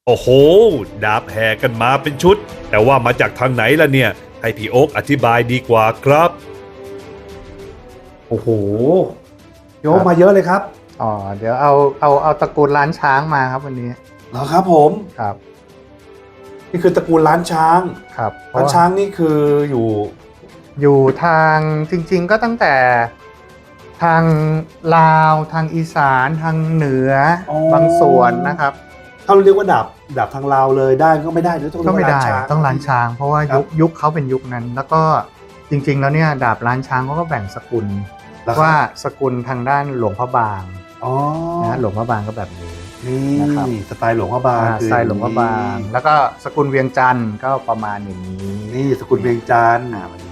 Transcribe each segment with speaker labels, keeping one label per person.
Speaker 1: โอ้โหดาบแห่กันมาเป็นชุดแต่ว่ามาจากทางไหนล่ะเนี่ยให้พี่โอ๊คอธิบายดีกว่าครับ
Speaker 2: โอ้โหโยกมาเยอะเลยครับ
Speaker 3: อ๋อเดี๋ยวเอาตระกูลล้านช้างมาครับวันนี้
Speaker 2: เหรอครับผม
Speaker 3: ครับ
Speaker 2: นี่คือตระกูลล้านช้าง
Speaker 3: ครับ
Speaker 2: ล้านช้างนี่คืออยู่
Speaker 3: ทางจริงๆก็ตั้งแต่ทางลาวทางอีสานทางเหนือบางส่วนนะครับ
Speaker 2: ถ้าเราเรียกว่าดาบทางลาวเลยได้ก็ไม่ได้หรือต้อง
Speaker 3: ก็ไม่ได้
Speaker 2: ช้าง
Speaker 3: ต้องล้านช้างเพราะว่ายุคเขาเป็นยุคนั้นแล้วก็จริงๆแล้วเนี่ยดาบล้านช้างเขาก็แบ่งสกุลว่าสกุลทางด้านหลวงพระบางนะหลวงพระบางก็แบบนี้
Speaker 2: นะครับสไตล์หลวงพระบาง
Speaker 3: สไตล์หลวงพระบางแล้วก็สกุลเวียงจันทร์ก็ประมาณอย่างนี้
Speaker 2: นี่สกุลเวียงจันทร์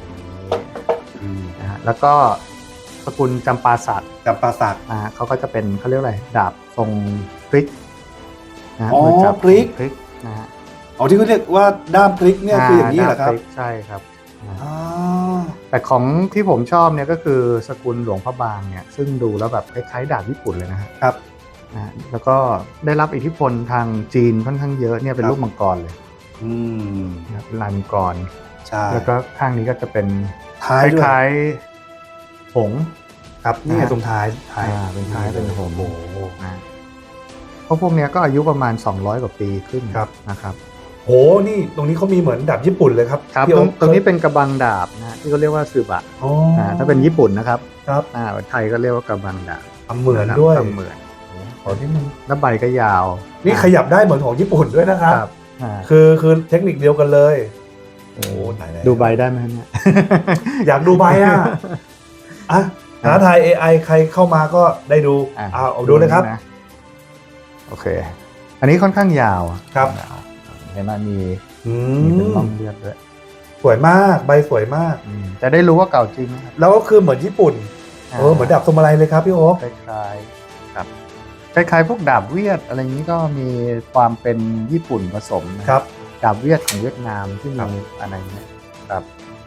Speaker 3: นะฮะแล้วก็สกุลจำปาสักเขาก็จะเป็นเขาเรียกอะไรดาบทรงพริกนะมือจับพริกนะฮะ
Speaker 2: ที่เขาเรียกว่าด้ามพริกเนี่ยคืออย่างนี้เหรอครับ
Speaker 3: ใช่ครับแต่ของที่ผมชอบเนี่ยก็คือสกุลหลวงพระบางเนี่ยซึ่งดูแล้วแบบคล้ายๆดาบญี่ปุ่นเลย
Speaker 2: นะครับ
Speaker 3: แล้วก็ได้รับอิทธิพลทางจีนค่อนข้างเยอะเนี่ยเป็นรูปมังกรเลยเป็นลายมังกร
Speaker 2: ใช่
Speaker 3: แล้วก็ข้างนี้ก็จะเป็นคล้ายๆหง
Speaker 2: ครับนี่ตรงท้าย
Speaker 3: เป็นท้ายเป็นหงเพราะพวกนี้ก็อายุประมาณ200กว่าปีขึ้นนะครับ
Speaker 2: โหนี่ตรงนี้เขามีเหมือนดาบญี่ปุ่นเลยครับ
Speaker 3: ตรงนี้เป็นกระบังดาบนะที่เขาเรียกว่าซึบะถ้าเป็นญี่ปุ่นนะครับไทยก็เรียกว่ากระบังดาบ
Speaker 2: เหมือนด้วย
Speaker 3: เหมือน
Speaker 2: ขอที่มัน
Speaker 3: แล้วใบก็ยาว
Speaker 2: นี่ขยับได้เหมือนของญี่ปุ่นด้วยนะครับคือเทคนิคเดียวกันเลย
Speaker 3: โอ้ดูใบได้ไหมเนี่ย
Speaker 2: อยากดูใบหาถ่าย AI ใครเข้ามาก็ได้ดูเอาดูเลยครับ
Speaker 3: โอเคอันนี้ค่อนข้างยาว
Speaker 2: ครับ
Speaker 3: เห็นไหมมีเป็นร่องเลือดด้วย
Speaker 2: สวยมากใบสวยมาก
Speaker 3: จะได้รู้ว่าเก่าจริงนะครับ
Speaker 2: แล้วก็คือเหมือนญี่ปุ่นเหมือนดาบสมุไรเลยครับพี่โอ๊ค
Speaker 3: คล้ายๆครับคล้ายๆพวกดาบเวียดอะไรนี้ก็มีความเป็นญี่ปุ่นผสม
Speaker 2: นะครับ
Speaker 3: ดาบเวียดของเวียดนามที่มีอะไรเนี่ยครับ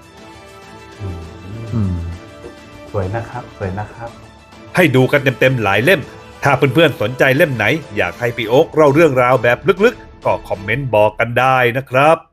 Speaker 2: สวยนะครับสวยนะครับ
Speaker 1: ให้ดูกันเต็มๆหลายเล่มถ้าเพื่อนๆสนใจเล่มไหนอยากให้พี่โอ๊คเล่าเรื่องราวแบบลึกๆก็คอมเมนต์บอกกันได้นะครับ